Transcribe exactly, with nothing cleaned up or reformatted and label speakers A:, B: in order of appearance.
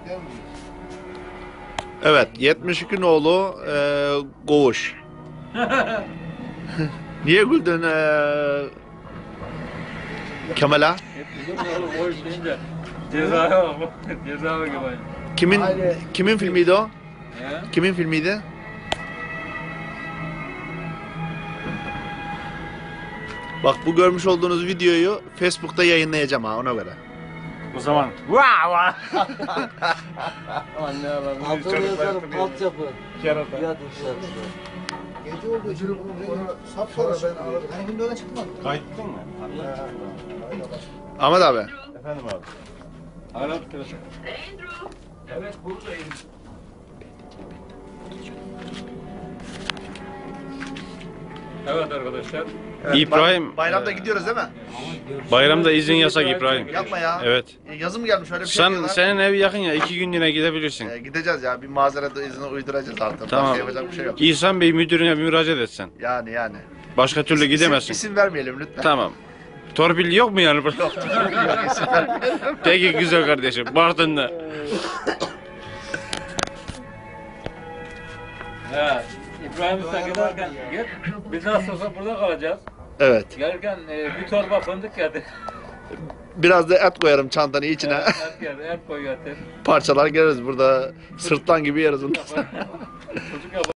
A: Evet, yetmiş iki nolu e, Koğuş. Niye güldün e, Kemal'a?
B: Koğuş deyince ceza ceza gibi.
A: Kimin kimin filmiydi o?
B: He?
A: Kimin filmiydi? Bak bu görmüş olduğunuz videoyu Facebook'ta yayınlayacağım ha ona göre.
B: O zaman vaa vaa.
C: Anne alalım.
D: Altını yazarım, altyapı.
B: Kerata.
D: Yad inşaatı.
C: Gece olduğu için sapsarı ben aradım. Hani şimdi öyle çıkmadı.
B: Kayıttın mı?
A: Ahmet abi.
B: Efendim abi. Arap telefon. Evet buradayım. Evet arkadaşlar.
E: İbrahim,
A: Bayramda gidiyoruz değil mi?
E: bayramda izin yasak İbrahim.
A: Yapma ya.
E: Evet.
A: E, Yazım gelmiş öyle bir şey
E: Sen
A: diyorlar.
E: senin ev yakın ya, iki günlüğüne gidebilirsin.
A: E, gideceğiz ya bir mazeret izni uyduracağız artık.
E: Tamam.
A: Başka yapacak bir şey yok.
E: İhsan Bey müdürüne bir müracaat etsen.
A: Yani yani.
E: Başka türlü
A: İsim-
E: gidemezsin.
A: İsim vermeyelim lütfen.
E: Tamam. Torpil yok mu yani?
A: Yok, isim vermeyelim.
E: Peki güzel kardeşim. Bartın'da.
B: He. İbrahim Usta giderken git. Biz nasıl olsa burada kalacağız.
A: Evet.
B: Gelirken e, bir torba fındık getir.
A: Biraz da et koyarım çantanın içine.
B: Et, et, getir, et koy getir.
A: Parçalar geliriz burada. Sırtlan gibi yeriz bundan sonra.
B: Çocuk